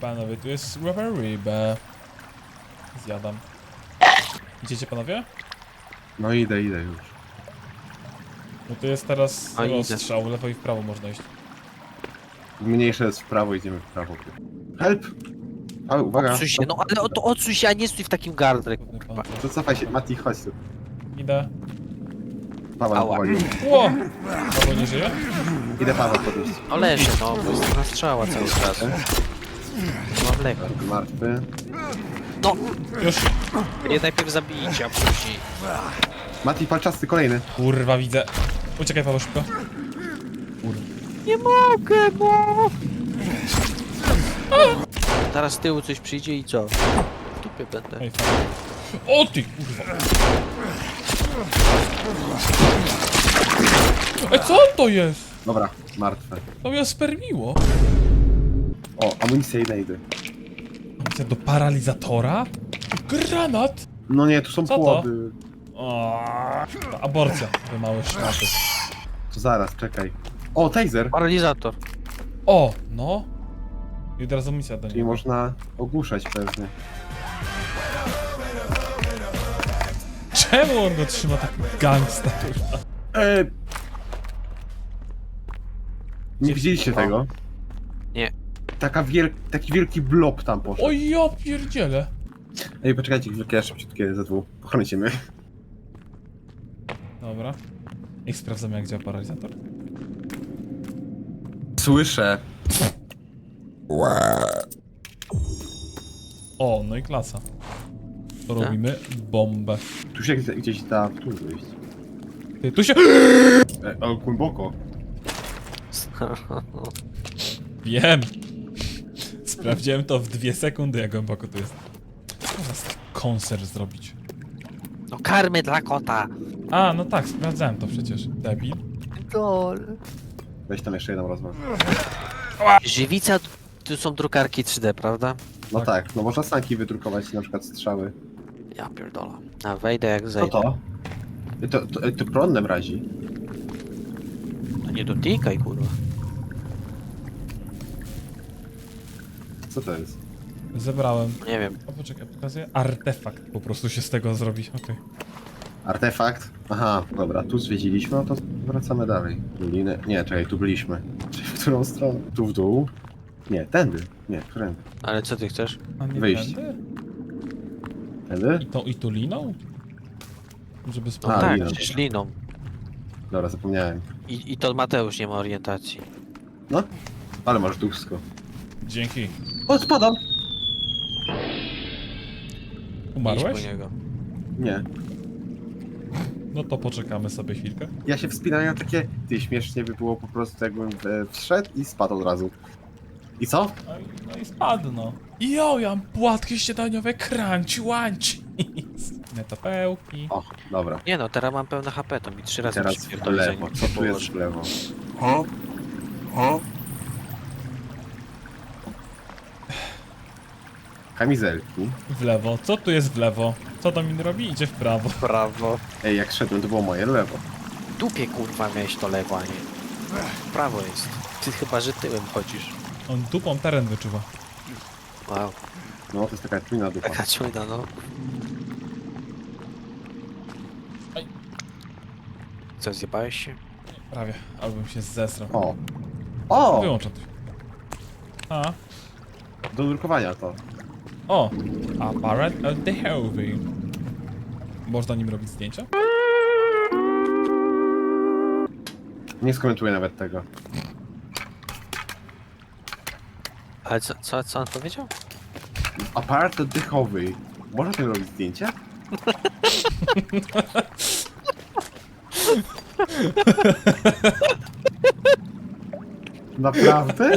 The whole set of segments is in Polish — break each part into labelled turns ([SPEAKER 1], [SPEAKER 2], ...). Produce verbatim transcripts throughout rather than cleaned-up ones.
[SPEAKER 1] Panowie, tu jest rubber rybę. Zjadam. Idziecie panowie?
[SPEAKER 2] No idę, idę już.
[SPEAKER 1] No to jest teraz
[SPEAKER 3] A, idę.
[SPEAKER 1] rozstrzał, lewo i w prawo można iść.
[SPEAKER 2] Mniejsze jest w prawo, idziemy w prawo. Help! Ale uwaga.
[SPEAKER 3] Odsuń się, no ale o, to odsuń się, a nie stój w takim gardle.
[SPEAKER 1] Kurde,
[SPEAKER 3] kurwa.
[SPEAKER 1] pan.
[SPEAKER 2] To cofaj się, Mati, chodź tu.
[SPEAKER 1] Idę.
[SPEAKER 2] Paweł
[SPEAKER 3] Ała.
[SPEAKER 2] powoli.
[SPEAKER 1] Ło! Paweł nie żyje?
[SPEAKER 2] Idę Paweł podnieść.
[SPEAKER 3] No leży, no, bo jest na strzała cały czas. Nie mam leku.
[SPEAKER 2] Martwy.
[SPEAKER 3] No,
[SPEAKER 1] Już.
[SPEAKER 3] mnie najpierw zabijcie, a później.
[SPEAKER 2] Mati, palczasty, kolejny.
[SPEAKER 1] Kurwa, widzę. Uciekaj Paweł szybko. Kurwa.
[SPEAKER 3] Nie mogę, bo... Teraz z tyłu coś przyjdzie i co? W dupie będę.
[SPEAKER 1] Ej, fajnie. O ty kurwa. Ej, co to jest?
[SPEAKER 2] Dobra, martwe.
[SPEAKER 1] To mnie spermiło.
[SPEAKER 2] O, amunicja, idę, idę.
[SPEAKER 1] Amunicja do paralizatora? Granat?
[SPEAKER 2] No nie, tu są
[SPEAKER 1] Co to?
[SPEAKER 2] płody.
[SPEAKER 1] O, ta aborcja, te małe szmaty.
[SPEAKER 2] To zaraz, czekaj. O, taser!
[SPEAKER 3] Paralizator.
[SPEAKER 1] O, no. I od razu misja do
[SPEAKER 2] Czyli
[SPEAKER 1] niego.
[SPEAKER 2] można ogłuszać pewnie.
[SPEAKER 1] Czemu on go trzyma tak gangsta, kurwa?
[SPEAKER 2] Eee... Nie
[SPEAKER 1] Gdzie-
[SPEAKER 2] widzieliście
[SPEAKER 3] O.
[SPEAKER 2] tego?
[SPEAKER 3] Nie.
[SPEAKER 2] Taka wiel... Taki wielki blob tam poszedł.
[SPEAKER 1] O ja pierdzielę.
[SPEAKER 2] Ej, poczekajcie chwilkę, ja szybciutkie ze dwóch. Pochrońcie mnie.
[SPEAKER 1] Dobra. I sprawdzamy jak działa paralizator.
[SPEAKER 2] Słyszę.
[SPEAKER 1] O, no i klasa. To robimy bombę.
[SPEAKER 2] Tu się gdzieś- gdzieś da w tu wyjść.
[SPEAKER 1] Ty, tu się...
[SPEAKER 2] E, o, głęboko.
[SPEAKER 1] Wiem. Sprawdziłem to w dwie sekundy, jak głęboko to jest. Można z koncert zrobić.
[SPEAKER 3] No karmy dla kota.
[SPEAKER 1] A, no tak, sprawdzałem to przecież. Debil.
[SPEAKER 3] Dol.
[SPEAKER 2] Weź tam jeszcze jedną rozmowę.
[SPEAKER 3] Żywica, tu są drukarki trzy D, prawda?
[SPEAKER 2] No
[SPEAKER 1] Tak.
[SPEAKER 2] tak, no można sanki wydrukować, na przykład strzały.
[SPEAKER 3] Ja pierdolę. A wejdę jak
[SPEAKER 2] Co
[SPEAKER 3] zejdę.
[SPEAKER 2] to? E, To, to, to prąd mrazi.
[SPEAKER 3] No nie dotykaj, kurwa.
[SPEAKER 2] Co to jest?
[SPEAKER 1] Zebrałem.
[SPEAKER 3] Nie wiem.
[SPEAKER 1] O, poczekaj, pokazuję. Artefakt po prostu się z tego zrobi. Okej.
[SPEAKER 2] Artefakt? Aha, dobra, tu zwiedziliśmy, no to wracamy dalej. Doliny. Nie, czekaj, tu byliśmy. Czyli w którą stronę? Tu w dół? Nie, tędy. Nie, którędy?
[SPEAKER 3] Ale co ty chcesz?
[SPEAKER 1] A nie
[SPEAKER 2] Wyjść.
[SPEAKER 1] tędy?
[SPEAKER 2] Tędy?
[SPEAKER 1] I tą i tu liną? Żeby
[SPEAKER 3] No
[SPEAKER 1] sprawdzić.
[SPEAKER 2] A,
[SPEAKER 3] tak,
[SPEAKER 2] liną.
[SPEAKER 3] przecież liną.
[SPEAKER 2] Dobra, zapomniałem.
[SPEAKER 3] I, I to Mateusz nie ma orientacji.
[SPEAKER 2] No, ale masz duszko.
[SPEAKER 1] Dzięki.
[SPEAKER 2] O, spadam!
[SPEAKER 3] Idź
[SPEAKER 1] Umarłeś?
[SPEAKER 3] po niego.
[SPEAKER 2] Nie.
[SPEAKER 1] No to poczekamy sobie chwilkę.
[SPEAKER 2] Ja się wspinałem na takie... Ty, śmiesznie by było po prostu jakbym e, wszedł i spadł od razu. I co?
[SPEAKER 1] No i, no i spadł, no. Jo, ja mam płatki śniadaniowe, crunch, łanci. Netopełki.
[SPEAKER 2] O, dobra.
[SPEAKER 3] Nie no, teraz mam pełne H P, to mi trzy razy
[SPEAKER 2] Teraz w
[SPEAKER 3] przypierdoli,
[SPEAKER 2] lewo.
[SPEAKER 3] zanim
[SPEAKER 2] Co
[SPEAKER 3] się
[SPEAKER 2] tu jest
[SPEAKER 3] położy.
[SPEAKER 2] w lewo? Kamizelki.
[SPEAKER 1] W lewo. Co tu jest w lewo? Co Domin robi? Idzie w prawo.
[SPEAKER 3] Brawo.
[SPEAKER 2] Ej, jak szedłem, to było moje lewo.
[SPEAKER 3] W dupie kurwa miałeś to lewo, a nie. W prawo jest. Ty chyba, że tyłem chodzisz.
[SPEAKER 1] On dupą teren wyczuwa.
[SPEAKER 3] Wow.
[SPEAKER 2] No, to jest taka czujna dupa.
[SPEAKER 3] Taka czujna, no.
[SPEAKER 1] Aj.
[SPEAKER 3] Co, zjebałeś się?
[SPEAKER 1] Prawie. Albym się zesrał.
[SPEAKER 2] O! O!
[SPEAKER 1] Wyłączam to. A.
[SPEAKER 2] Do drukowania to.
[SPEAKER 1] O! Apparat of the heavy. Można nim robić zdjęcia?
[SPEAKER 2] Nie skomentuję nawet tego.
[SPEAKER 3] Ale co, co, co on powiedział?
[SPEAKER 2] Aparat oddechowy. Można tym robić zdjęcia? Naprawdę?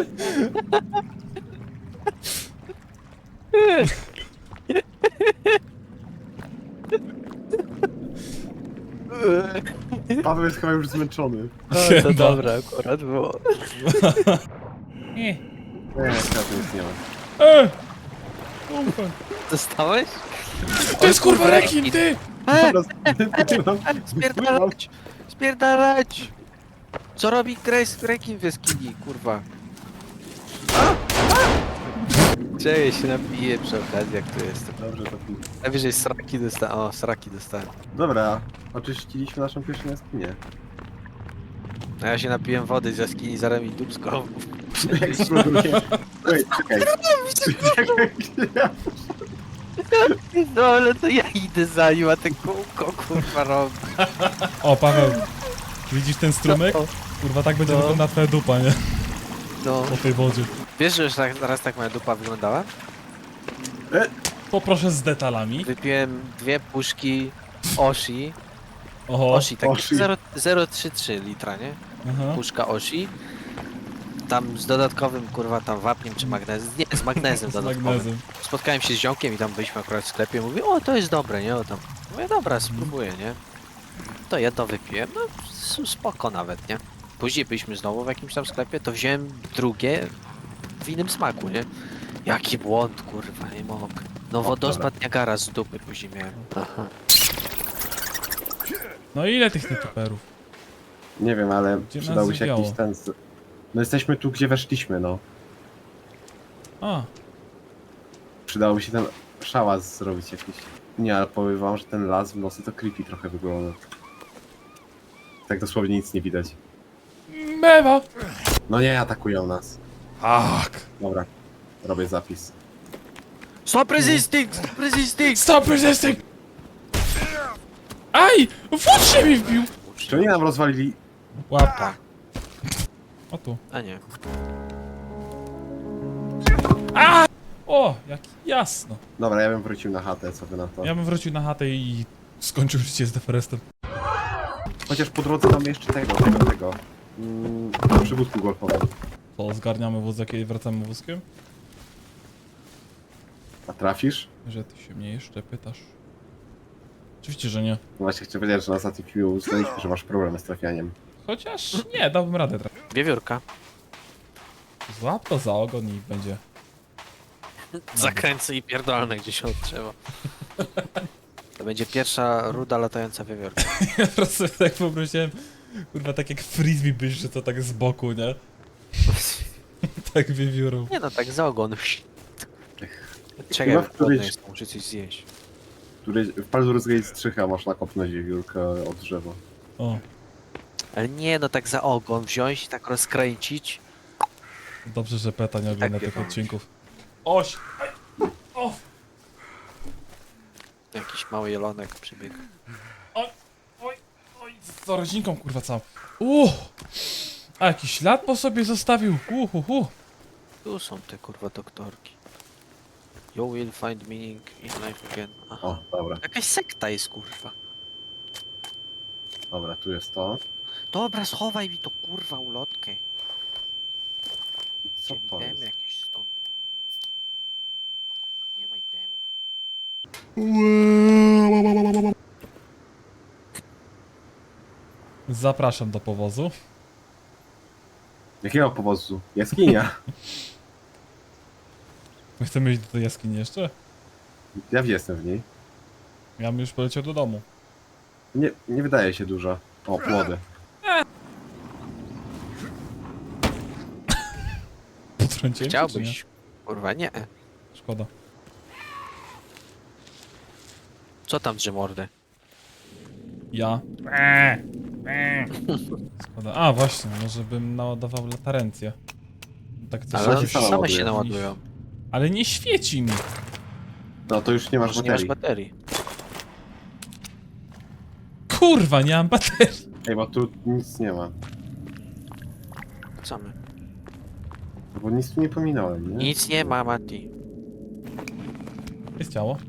[SPEAKER 2] Paweł jest chyba już zmęczony.
[SPEAKER 3] No, to
[SPEAKER 1] No.
[SPEAKER 3] dobre akurat było.
[SPEAKER 1] Nie.
[SPEAKER 2] Nie, ja tu nic nie mam.
[SPEAKER 1] E! Kurwa.
[SPEAKER 3] Dostałeś?
[SPEAKER 1] To jest kurwa
[SPEAKER 3] kurwa,
[SPEAKER 1] rekin,
[SPEAKER 3] rekin.
[SPEAKER 1] ty!
[SPEAKER 3] E,
[SPEAKER 2] Wypływam.
[SPEAKER 3] spierdalać! Spierdalać! Co robi Grace rekin w jaskini, kurwa? Cześć, się napiję przy okazji, jak tu jestem.
[SPEAKER 2] Dobrze, to pi-
[SPEAKER 3] Najwyżej sraki dostałem. O, sraki dostałem.
[SPEAKER 2] Dobra, oczyściliśmy naszą pierwszą jaskinię.
[SPEAKER 3] A ja się napiłem wody z jaskini, zaraz mi dupsko.
[SPEAKER 2] Eksploduje. Ej, czekaj.
[SPEAKER 3] No ale to ja idę za nim, a ten kółko kurwa robi.
[SPEAKER 1] O, Paweł, widzisz ten strumyk?
[SPEAKER 3] No,
[SPEAKER 1] Kurwa, tak będzie
[SPEAKER 3] No.
[SPEAKER 1] wyglądała twoja dupa, nie?
[SPEAKER 3] no.
[SPEAKER 1] Po tej wodzie.
[SPEAKER 3] Wiesz, że już tak, raz tak moja dupa wyglądała?
[SPEAKER 1] Poproszę z detalami.
[SPEAKER 3] Wypiłem dwie puszki Oshi.
[SPEAKER 1] Oho.
[SPEAKER 3] Oshi, tak
[SPEAKER 2] Oshi.
[SPEAKER 3] zero przecinek trzydzieści trzy litra, nie?
[SPEAKER 1] Aha.
[SPEAKER 3] Puszka Oshi. Tam z dodatkowym, kurwa, tam wapniem czy magnezem. Nie, z magnezem
[SPEAKER 1] Z
[SPEAKER 3] dodatkowym.
[SPEAKER 1] magnezem.
[SPEAKER 3] Spotkałem się z ziomkiem i tam byliśmy akurat w sklepie. Mówi, o to jest dobre, nie? O tam. Mówię, dobra, spróbuję, nie? To jedno wypiłem, no s- spoko nawet, nie? Później byliśmy znowu w jakimś tam sklepie, to wziąłem drugie w innym smaku, nie? Jaki błąd, kurwa, nie mogę. No wodospad Niagara z dupy później miałem. Aha.
[SPEAKER 1] No ile tych nietoperów?
[SPEAKER 2] Nie wiem, ale
[SPEAKER 1] Gdzie nas
[SPEAKER 2] przydałby się
[SPEAKER 1] zwiało?
[SPEAKER 2] jakiś ten... z- No jesteśmy tu, gdzie weszliśmy, no.
[SPEAKER 1] A,
[SPEAKER 2] Przydałoby się ten szałas zrobić jakiś. Nie, ale powiem wam, że ten las w nocy to creepy trochę wygląda. Tak dosłownie nic nie widać.
[SPEAKER 1] mewa!
[SPEAKER 2] No nie, atakują nas.
[SPEAKER 1] Tak.
[SPEAKER 2] Dobra, robię zapis.
[SPEAKER 3] Stop resisting! Stop resisting!
[SPEAKER 1] Stop resisting! Aj! Wód się mi wbił!
[SPEAKER 2] Czy oni nam rozwalili...
[SPEAKER 1] Łap.
[SPEAKER 3] Tak.
[SPEAKER 1] O tu.
[SPEAKER 3] A nie.
[SPEAKER 1] O, jak jasno.
[SPEAKER 2] Dobra, ja bym wrócił na chatę, co wy na to.
[SPEAKER 1] Ja bym wrócił na chatę i skończył życie z Deforestem.
[SPEAKER 2] Chociaż po drodze mamy jeszcze tego, tego, tego. Mm, przy wózku golfowym.
[SPEAKER 1] To zgarniamy wózek i wracamy wózkiem?
[SPEAKER 2] A trafisz?
[SPEAKER 1] Że ty się mnie jeszcze pytasz. Oczywiście, że nie.
[SPEAKER 2] No właśnie chcę powiedzieć, że na ostatnim filmie uznaliśmy, że masz problem z trafianiem.
[SPEAKER 1] Chociaż nie, dałbym radę trafić.
[SPEAKER 3] Wiewiórka.
[SPEAKER 1] Złap to za ogon i będzie.
[SPEAKER 3] Zakręcę i pierdolne gdzieś od drzewa. To będzie pierwsza ruda latająca wiewiórka.
[SPEAKER 1] Ja po prostu tak poprosiłem, kurwa, tak jak frisbee byś, że to tak z boku, nie? Tak wiewiórą.
[SPEAKER 3] Nie no, tak za ogon. Czekaj,
[SPEAKER 2] Chyba w
[SPEAKER 3] głodny
[SPEAKER 2] którejś-
[SPEAKER 3] jestem, muszę coś zjeść.
[SPEAKER 2] Który w Baldur's Gate strzycha można kopnąć wiewiórkę od drzewa.
[SPEAKER 1] O,
[SPEAKER 3] Ale nie no, tak za ogon wziąć i tak rozkręcić.
[SPEAKER 1] dobrze, że Peta nie ogląda
[SPEAKER 3] Tak,
[SPEAKER 1] tych
[SPEAKER 3] wiadomo.
[SPEAKER 1] odcinków. Oś! Aj! O!
[SPEAKER 3] Jakiś mały jelonek przybiegł.
[SPEAKER 1] Oj! Oj! Oj! Z rodzinką, kurwa, całą. Uuu! A jakiś ślad po sobie zostawił. Uhuhu.
[SPEAKER 3] Tu są te kurwa doktorki. You will find meaning in life again. Aha.
[SPEAKER 2] O, dobra,
[SPEAKER 3] Jakaś sekta jest kurwa.
[SPEAKER 2] dobra, tu jest to.
[SPEAKER 3] Dobra, schowaj mi to kurwa ulotkę.
[SPEAKER 2] I co
[SPEAKER 3] Gdzie mi
[SPEAKER 2] to
[SPEAKER 3] tem
[SPEAKER 2] jest?
[SPEAKER 3] jakiś stąd. Nie ma itemów.
[SPEAKER 1] Zapraszam do powozu.
[SPEAKER 2] Jakiego powozu? Jaskinia.
[SPEAKER 1] My chcemy iść do tej jaskini jeszcze?
[SPEAKER 2] Ja jestem w niej.
[SPEAKER 1] Ja bym już poleciał do domu.
[SPEAKER 2] Nie, nie wydaje się dużo. O, płody.
[SPEAKER 1] Potrąciłem cię, czy nie?
[SPEAKER 3] Chciałbyś? Kurwa nie.
[SPEAKER 1] Szkoda.
[SPEAKER 3] Co tam drze mordę?
[SPEAKER 1] Ja. Szkoda. A właśnie, może bym naładował latarencję. Tak coś
[SPEAKER 3] Ale
[SPEAKER 2] się
[SPEAKER 3] one
[SPEAKER 2] sama
[SPEAKER 3] same
[SPEAKER 2] ładuje.
[SPEAKER 3] się naładują.
[SPEAKER 1] Ale nie świeci mi.
[SPEAKER 2] No to już nie masz
[SPEAKER 3] Może nie masz
[SPEAKER 2] baterii.
[SPEAKER 3] baterii.
[SPEAKER 1] Kurwa, nie mam baterii.
[SPEAKER 2] Ej, bo tu nic nie ma.
[SPEAKER 3] Co my?
[SPEAKER 2] Bo nic tu nie pominąłem, nie?
[SPEAKER 3] Nic nie ma, Mati.
[SPEAKER 1] Jest ciało.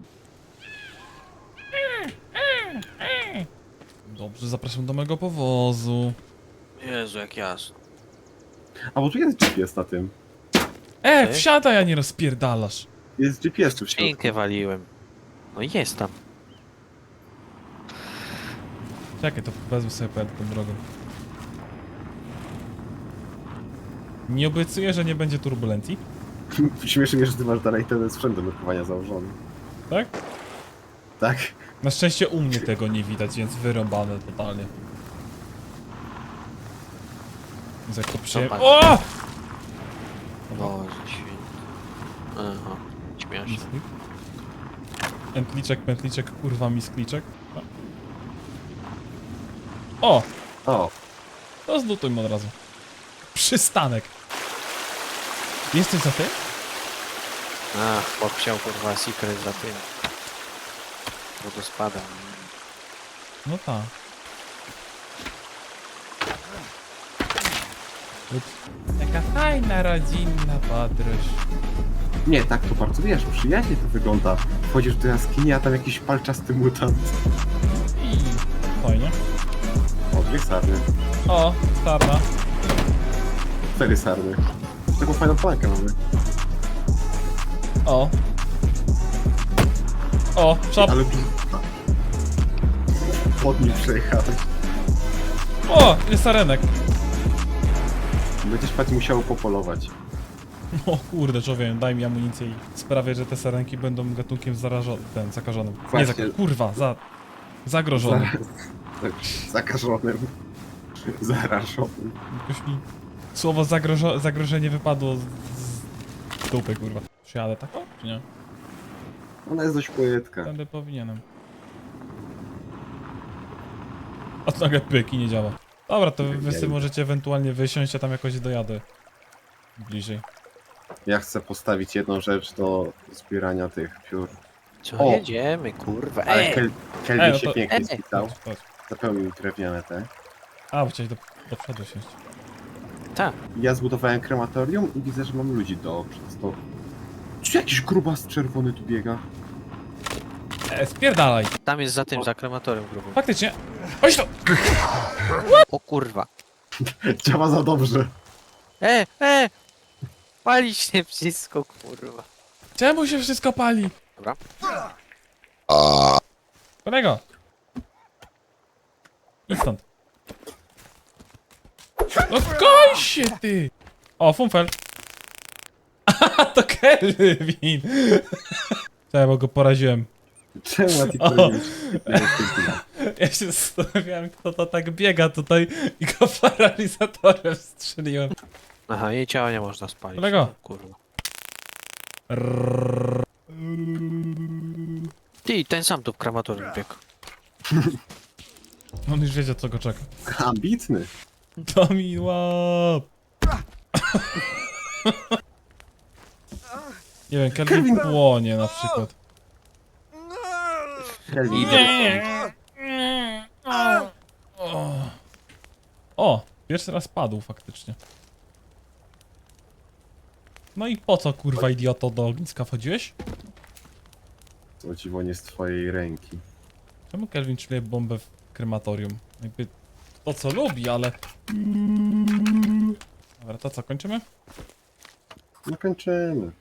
[SPEAKER 1] Dobrze, zapraszam do mojego powozu.
[SPEAKER 3] Jezu, jak jasno.
[SPEAKER 2] A bo tu jest G P S na tym.
[SPEAKER 1] E,
[SPEAKER 3] Ty?
[SPEAKER 1] wsiadaj, a nie rozpierdalasz.
[SPEAKER 2] Jest G P S tu w środku.
[SPEAKER 3] Skrzynkę waliłem. No i jest tam.
[SPEAKER 1] Czekaj, to wezmę sobie pojadę tą drogą. Nie obiecuję, że nie będzie turbulencji.
[SPEAKER 2] Śmieszy mnie, że ty masz dalej ten sprzęt do nurkowania założony.
[SPEAKER 1] Tak?
[SPEAKER 2] Tak?
[SPEAKER 1] Na szczęście u mnie tego nie widać, więc wyrąbane totalnie. Więc jak to przyjemnie...
[SPEAKER 3] Zobacz.
[SPEAKER 1] O!
[SPEAKER 3] Boże święty. Aha, śmieszne.
[SPEAKER 1] Misklik. Pętliczek, pętliczek, kurwa miskliczek. O!
[SPEAKER 2] O,
[SPEAKER 1] To zlutujmy od razu. Przystanek. Jesteś za tym?
[SPEAKER 3] Ach, chłop chciał kurwa secret za tym. Wodospadem.
[SPEAKER 1] No tak. Ups. Taka fajna, rodzinna podróż.
[SPEAKER 2] nie, tak to bardzo, wiesz, przyjaźnie to wygląda. Wchodzisz do jaskini, a tam jakiś palczasty mutant.
[SPEAKER 1] I fajnie.
[SPEAKER 2] O, dwie sarny.
[SPEAKER 1] O, sarna.
[SPEAKER 2] Cztery sarny. Taką fajną flankę mamy.
[SPEAKER 1] O. O, szap.
[SPEAKER 2] Ale... Pod nim przejechałeś.
[SPEAKER 1] O, jest sarenek.
[SPEAKER 2] Będziesz patrz musiał popolować.
[SPEAKER 1] O kurde, człowiek, daj mi amunicję i sprawię, że te sarenki będą gatunkiem zarażonym, ten, zakażonym. Nie,
[SPEAKER 2] Właśnie.
[SPEAKER 1] zaka kurwa, za... zagrożonym.
[SPEAKER 2] Tak, zakażonym. Zarażonym.
[SPEAKER 1] Jakoś mi słowo zagrożo zagrożenie wypadło z, z dupy, kurwa. Przyjadę tak, o, czy nie?
[SPEAKER 2] Ona jest dość płytka.
[SPEAKER 1] Będę powinienem. A nagle pyk i nie działa. Dobra, to wy sobie możecie ewentualnie wysiąść, a tam jakoś dojadę. Bliżej.
[SPEAKER 2] Ja chcę postawić jedną rzecz do zbierania tych piór.
[SPEAKER 3] Co,
[SPEAKER 2] O!
[SPEAKER 3] jedziemy, kurwa.
[SPEAKER 2] Ale
[SPEAKER 3] Ej!
[SPEAKER 2] Kel Kelvin
[SPEAKER 1] Ej, no
[SPEAKER 2] się
[SPEAKER 1] to-
[SPEAKER 2] pięknie
[SPEAKER 3] Ej!
[SPEAKER 2] spisał.
[SPEAKER 1] Chodź, chodź.
[SPEAKER 2] Zapełnił drewniane te.
[SPEAKER 1] A, bo chciałeś do, do przodu siąść.
[SPEAKER 3] Tak.
[SPEAKER 2] Ja zbudowałem krematorium i widzę, że mam ludzi do przez to. Czy jakiś grubas czerwony tu biega?
[SPEAKER 1] E, spierdalaj!
[SPEAKER 3] Tam jest za tym, za krematorium grubym.
[SPEAKER 1] Faktycznie. Chodź to!
[SPEAKER 3] O kurwa.
[SPEAKER 2] Działa za dobrze.
[SPEAKER 3] E, e! Pali się wszystko, kurwa.
[SPEAKER 1] Czemu się wszystko pali?
[SPEAKER 3] Dobra.
[SPEAKER 1] Kolego! Idź stąd. No koń się ty! O, Funfel. Aha, to Kelvin! Czekaj, bo go poraziłem.
[SPEAKER 2] Czemu ja ci
[SPEAKER 1] O.
[SPEAKER 2] powiedzieć?
[SPEAKER 1] Ja się zastanawiałem, kto to tak biega tutaj i go paralizatorem strzeliłem.
[SPEAKER 3] Aha, jej ciała nie można spalić.
[SPEAKER 1] Kolego.
[SPEAKER 3] O, kurwa. Ty, ten sam tu w krematorium biegł.
[SPEAKER 1] On już wiedział, co go czeka.
[SPEAKER 2] Ambitny.
[SPEAKER 1] To mi łap! Nie wiem, Kelvin
[SPEAKER 2] Kelvin-
[SPEAKER 1] płonie na przykład.
[SPEAKER 2] Kelvin.
[SPEAKER 1] O, o, pierwszy raz padł faktycznie. No i po co, kurwa idioto, do ogniska wchodziłeś?
[SPEAKER 2] Co dziwo nie z twojej ręki.
[SPEAKER 1] Czemu Kelvin czuje bombę w krematorium? Jakby to co lubi, ale... Dobra, to co, kończymy?
[SPEAKER 2] No kończymy.